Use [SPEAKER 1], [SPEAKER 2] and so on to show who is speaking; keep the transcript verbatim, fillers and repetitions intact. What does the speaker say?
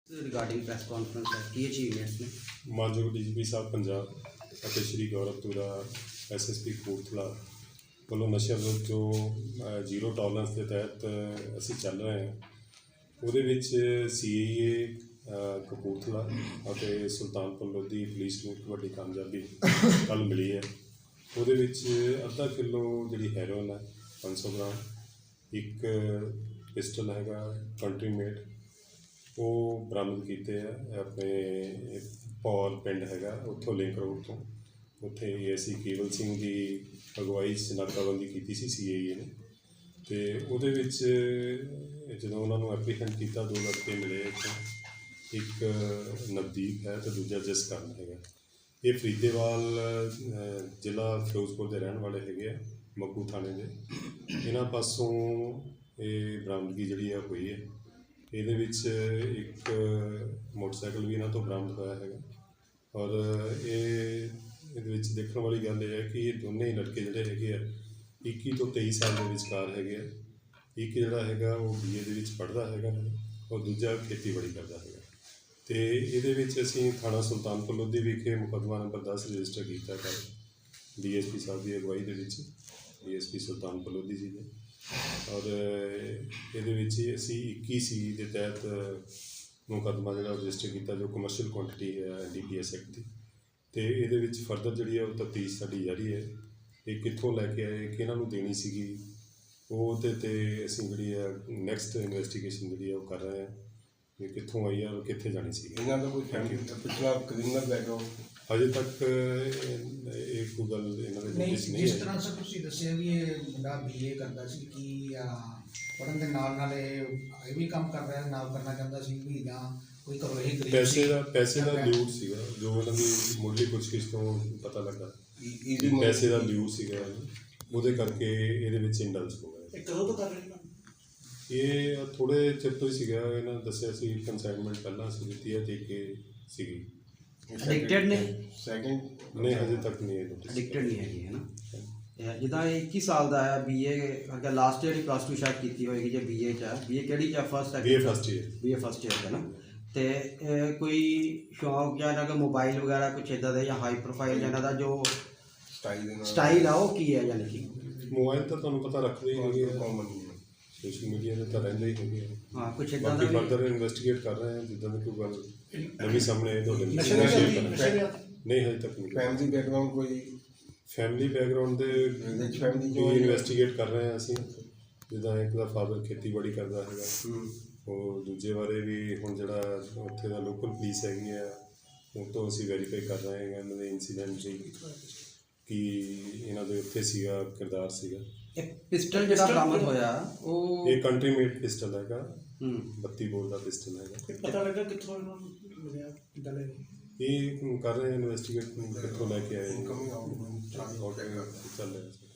[SPEAKER 1] Regarding press conference है की achievements ने
[SPEAKER 2] मानयोग डी जी पी साहब पंजाब ਅਤੇ Shri Gaurav Toora S S P Kapurthala ਵੱਲੋਂ ਨਸ਼ਿਆਂ ਵਿਰੁੱਧ ਜੋ ਜ਼ੀਰੋ ਟੋਲਰੈਂਸ ਦੇ ਤਹਿਤ ਅਸੀਂ ਚੱਲ ਰਹੇ ਹਾਂ ਉਹਦੇ ਵਿੱਚ ਸੀ ਏ ਏ ਕਪੂਰਥਲਾ ਅਤੇ ਸੁਲਤਾਨਪੁਰ ਲੋਧੀ ਪੁਲਿਸ ਨੂੰ ਇੱਕ ਵੱਡੀ ਕਾਮਯਾਬੀ ਕੱਲ੍ਹ ਮਿਲੀ ਹੈ। ਉਹਦੇ ਵਿੱਚ ਅੱਧਾ ਕਿਲੋ ਜਿਹੜੀ ਹੈਰੋਇਨ ਹੈ ਪੰਜ ਸੌ ਗ੍ਰਾਮ, ਇੱਕ ਪਿਸਟਲ ਹੈਗਾ ਕੰਟਰੀ ਮੇਡ, ਉਹ ਬਰਾਮਦ ਕੀਤੇ ਆ ਆਪਣੇ ਪੌਲ ਪਿੰਡ ਹੈਗਾ ਉੱਥੋਂ ਲਿੰਕ ਰੋਡ ਤੋਂ। ਉੱਥੇ ਏ ਐਸ ਸੀ ਕੇਵਲ ਸਿੰਘ ਦੀ ਅਗਵਾਈ 'ਚ ਨਾਕਾਬੰਦੀ ਕੀਤੀ ਸੀ ਸੀ ਏ ਏ ਨੇ, ਅਤੇ ਉਹਦੇ ਵਿੱਚ ਜਦੋਂ ਉਹਨਾਂ ਨੂੰ ਐਪਲੀਕੈਂਟ ਕੀਤਾ ਦੋ ਲੜਕੇ ਮਿਲੇ ਇੱਥੋਂ, ਇੱਕ ਨਵਦੀਪ ਹੈ ਅਤੇ ਦੂਜਾ ਜਸਕਰਨ ਹੈਗਾ। ਇਹ ਫਰੀਦੇਵਾਲ ਜ਼ਿਲ੍ਹਾ ਫਿਰੋਜ਼ਪੁਰ ਦੇ ਰਹਿਣ ਵਾਲੇ ਹੈਗੇ ਆ, ਮੱਕੂ ਥਾਣੇ ਦੇ। ਇਹਨਾਂ ਪਾਸੋਂ ਇਹ ਬਰਾਮਦਗੀ ਜਿਹੜੀ ਆ ਹੋਈ ਹੈ। ਇਹਦੇ ਵਿੱਚ ਇੱਕ ਮੋਟਰਸਾਈਕਲ ਵੀ ਇਹਨਾਂ ਤੋਂ ਬਰਾਮਦ ਹੋਇਆ ਹੈਗਾ। ਔਰ ਇਹ ਇਹਦੇ ਵਿੱਚ ਦੇਖਣ ਵਾਲੀ ਗੱਲ ਇਹ ਹੈ ਕਿ ਇਹ ਦੋਨੇ ਹੀ ਲੜਕੇ ਜਿਹੜੇ ਹੈਗੇ ਆ ਇੱਕੀ ਤੋਂ ਤੇਈ ਸਾਲ ਦੇ ਵਿਚਕਾਰ ਹੈਗੇ ਆ। ਇੱਕ ਜਿਹੜਾ ਹੈਗਾ ਉਹ ਬੀ ਏ ਦੇ ਵਿੱਚ ਪੜ੍ਹਦਾ ਹੈਗਾ ਔਰ ਦੂਜਾ ਖੇਤੀਬਾੜੀ ਕਰਦਾ ਹੈਗਾ। ਅਤੇ ਇਹਦੇ ਵਿੱਚ ਅਸੀਂ ਥਾਣਾ ਸੁਲਤਾਨਪੁਰ ਲੋਧੀ ਵਿਖੇ ਮੁਕੱਦਮਾ ਨੰਬਰ ਦਸ ਰਜਿਸਟਰ ਕੀਤਾ ਕੱਲ੍ਹ ਡੀ ਐਸ ਪੀ ਸਾਹਿਬ ਦੀ ਅਗਵਾਈ ਦੇ ਵਿੱਚ, D S P Sultanpur Lodhi ji ਦੇ। ਔਰ ਇਹਦੇ ਵਿੱਚ ਅਸੀਂ ਇੱਕੀ ਸੀ ਦੇ ਤਹਿਤ ਮੁਕੱਦਮਾ ਜਿਹੜਾ ਰਜਿਸਟਰ ਕੀਤਾ ਜੋ ਕਮਰਸ਼ੀਅਲ ਕੁਆਂਟਿਟੀ ਹੈ N D P S act ਦੀ। ਅਤੇ ਇਹਦੇ ਵਿੱਚ ਫਰਦਰ ਜਿਹੜੀ ਹੈ ਉਹ ਤਫਤੀਸ਼ ਸਾਡੀ ਜਾਰੀ ਹੈ। ਇਹ ਕਿੱਥੋਂ ਲੈ ਕੇ ਆਏ, ਕਿਹਨਾਂ ਨੂੰ ਦੇਣੀ ਸੀਗੀ, ਉਹਦੇ 'ਤੇ ਅਸੀਂ ਜਿਹੜੀ ਹੈ ਨੈਕਸਟ ਇਨਵੈਸਟੀਗੇਸ਼ਨ ਜਿਹੜੀ ਹੈ ਉਹ ਕਰ ਰਹੇ ਹਾਂ ਵੀ ਕਿੱਥੋਂ ਆਈ ਆ ਔਰ ਕਿੱਥੇ ਜਾਣੀ ਸੀਗੀ।
[SPEAKER 3] ਇਹਨਾਂ ਦਾ ਕੋਈ ਪਿਛਲਾ ਕ੍ਰਿਮੀਨਲ ਬੈਕਗਰਾਉਂਡ
[SPEAKER 2] ਅਜੇ ਤੱਕ ਇਹ ਕੋਈ ਗੱਲ ਇਹਨਾਂ ਦੇ
[SPEAKER 4] ਨਹੀਂ,
[SPEAKER 2] ਨੋਟਿਸ ਨਹੀਂ
[SPEAKER 4] ਜਿਸ
[SPEAKER 2] ਆਈ।
[SPEAKER 4] ਤਰ੍ਹਾਂ ਸਰ ਤੁਸੀਂ ਦੱਸਿਆ ਵੀ ਇਹ ਮੁੰਡਾ ਬੀ ਏ ਕਰਦਾ ਸੀ ਕਿ ਪੜ੍ਹਨ ਦੇ ਨਾਲ ਨਾਲ ਇਹ ਇਹ ਵੀ ਕੰਮ ਕਰ ਰਿਹਾ ਨਾਲ ਕਰਨਾ ਚਾਹੁੰਦਾ ਸੀ ਵੀ ਜਾਂ ਕੋਈ ਘਰੋਂ ਹੀ ਗਰੀਬ
[SPEAKER 2] ਪੈਸੇ
[SPEAKER 4] ਸੀ?
[SPEAKER 2] ਦਾ ਪੈਸੇ ਦਾ ਲਿਊਟ ਸੀਗਾ ਜੋ ਉਹਨਾਂ ਦੀ ਮੁੱਢਲੀ ਪੁੱਛਗਿੱਛ ਤੋਂ ਪਤਾ ਲੱਗਾ। ਪੈਸੇ ਦਾ ਲਿਊਟ ਸੀਗਾ, ਉਹਦੇ ਕਰਕੇ ਇਹਦੇ ਵਿੱਚ ਇੰਡਲਸ ਹੋ ਗਿਆ।
[SPEAKER 4] ਇਹ ਕਦੋਂ ਤੋਂ ਕਰ ਰਹੇ ਨੇ?
[SPEAKER 2] ਇਹ ਥੋੜ੍ਹੇ ਚਿਰ ਤੋਂ ਹੀ ਸੀਗਾ। ਇਹਨਾਂ ਨੇ ਦੱਸਿਆ ਸੀ ਕੰਸਾਈਨਮੈਂਟ ਪਹਿਲਾਂ ਅਸੀਂ ਦਿੱਤੀ ਹੈ, ਦੇ ਕੇ ਸੀਗੀ।
[SPEAKER 1] ਐਡਿਕਟਡ ਨੇ?
[SPEAKER 3] ਸੈਕਿੰਡ
[SPEAKER 2] ਨਹੀਂ, ਹਜੇ ਤੱਕ ਨਹੀਂ ਇਹ ਨੋਟਿਸ।
[SPEAKER 1] ਐਡਿਕਟਡ ਨਹੀਂ ਹੈਗੀ ਹੈ ਨਾ। ਜਿੱਦਾਂ ਇਹ ਇੱਕੀ ਸਾਲ ਦਾ ਹੈ, ਬੀ ਏ ਅੱਗੇ ਲਾਸਟ ਈਅਰ ਹੀ ਪਲੱਸ ਟੂ ਸ਼ਾਇਦ ਕੀਤੀ ਹੋਏਗੀ ਜੇ ਬੀ ਏ 'ਚ ਹੈ। ਬੀ ਏ ਕਿਹੜੀ 'ਚ ਹੈ? ਫਸਟ ਹੈ?
[SPEAKER 2] B A first year.
[SPEAKER 1] B A first year ਹੈ ਨਾ। ਅਤੇ ਕੋਈ ਸ਼ੌਂਕ ਜਾਂ ਇਹਨਾਂ ਦਾ ਮੋਬਾਈਲ ਵਗੈਰਾ ਕੁਛ ਇੱਦਾਂ ਦਾ ਜਾਂ ਹਾਈ ਪ੍ਰੋਫਾਈਲ ਇਹਨਾਂ ਦਾ ਜੋ
[SPEAKER 3] ਸਟਾਈਲ ਦੇ ਨਾਲ
[SPEAKER 1] ਸਟਾਈਲ ਆ ਉਹ ਕੀ ਹੈ? ਯਾਨੀ ਕਿ
[SPEAKER 2] ਮੋਬਾਈਲ ਤਾਂ ਤੁਹਾਨੂੰ ਪਤਾ ਰੱਖਦੇ ਹੀ ਹੈਗੇ ਆ, ਕਾਮਨ ਸੋਸ਼ਲ ਮੀਡੀਆ 'ਤੇ ਤਾਂ ਰਹਿੰਦੇ ਹੀ ਹੈਗੇ ਆ।
[SPEAKER 1] ਹਾਂ ਕੁਛ ਇੱਦਾਂ ਦਾ
[SPEAKER 2] ਬਾਕੀ
[SPEAKER 1] ਵੀ
[SPEAKER 2] ਫਰਦਰ ਇਨਵੈਸਟੀਗੇਟ ਕਰ ਰਹੇ ਹਾਂ, ਜਿੱਦਾਂ ਦੀ ਕੋਈ ਗੱਲ ਨਵੀਂ ਸਾਹਮਣੇ ਆਏ ਤੁਹਾਡੇ
[SPEAKER 4] ਨਸ਼ੇ
[SPEAKER 2] ਨਾਲ
[SPEAKER 4] ਦੇ
[SPEAKER 2] ਸ਼ੇਅਰ
[SPEAKER 4] ਨਸ਼ੇ
[SPEAKER 2] ਕਰਾਂਗੇ।
[SPEAKER 4] ਦੇ
[SPEAKER 2] ਨਹੀਂ, ਹਜੇ ਤੱਕ ਨਹੀਂ।
[SPEAKER 3] ਫੈਮਿਲੀ ਬੈਕਗਰਾਉਂਡ ਕੋਈ
[SPEAKER 2] ਫੈਮਿਲੀ ਬੈਕਗਰਾਉਂਡ ਦੇ
[SPEAKER 3] ਰਿਚ ਫੈਮਿਲੀ
[SPEAKER 2] ਜੋ ਇਨਵੈਸਟੀਗੇਟ ਕਰ ਰਹੇ ਹਾਂ ਅਸੀਂ। ਜਿੱਦਾਂ ਇੱਕ ਦਾ ਫਾਦਰ ਖੇਤੀਬਾੜੀ ਕਰਦਾ ਹੈਗਾ, ਉਹ ਦੂਜੇ ਬਾਰੇ ਵੀ ਹੁਣ ਜਿਹੜਾ ਉੱਥੇ ਦਾ ਲੋਕਲ ਪੁਲਿਸ ਹੈਗੀ ਆ ਉਹ ਤੋਂ ਅਸੀਂ ਵੈਰੀਫਾਈ ਕਰ ਰਹੇ ਹਾਂ ਇਹਨਾਂ ਦੇ ਇੰਸੀਡੈਂਟ ਦੀ ਕਿ ਇਹਨਾਂ ਦੇ ਉੱਥੇ ਸੀਗਾ ਕਿਰਦਾਰ ਸੀਗਾ।
[SPEAKER 1] ਇਹ ਪਿਸਟਲ ਜਿਹੜਾ ਬਰਾਮਦ ਹੋਇਆ ਉਹ
[SPEAKER 2] ਇਹ ਕੰਟਰੀ ਮੇਡ ਪਿਸਟਲ ਹੈਗਾ,
[SPEAKER 1] ਹੂੰ
[SPEAKER 2] ਬੱਤੀ ਬੋਰ ਦਾ ਪਿਸਟਲ ਹੈਗਾ।
[SPEAKER 4] ਪਤਾ ਲੱਗਾ ਕਿੱਥੋਂ ਇਹਨਾਂ ਨੂੰ ਮਿਲਿਆ, ਕਿੱਦਾਂ ਲੈ
[SPEAKER 2] ਇਹ ਕਰ ਰਹੇ ਇਨਵੈਸਟੀਗੇਟ ਕਿੱਥੋਂ ਲੈ ਕੇ ਆਏ
[SPEAKER 3] ਇਨਕਮ ਆਊਟ
[SPEAKER 2] ਚੱਲ ਰਿਹਾ।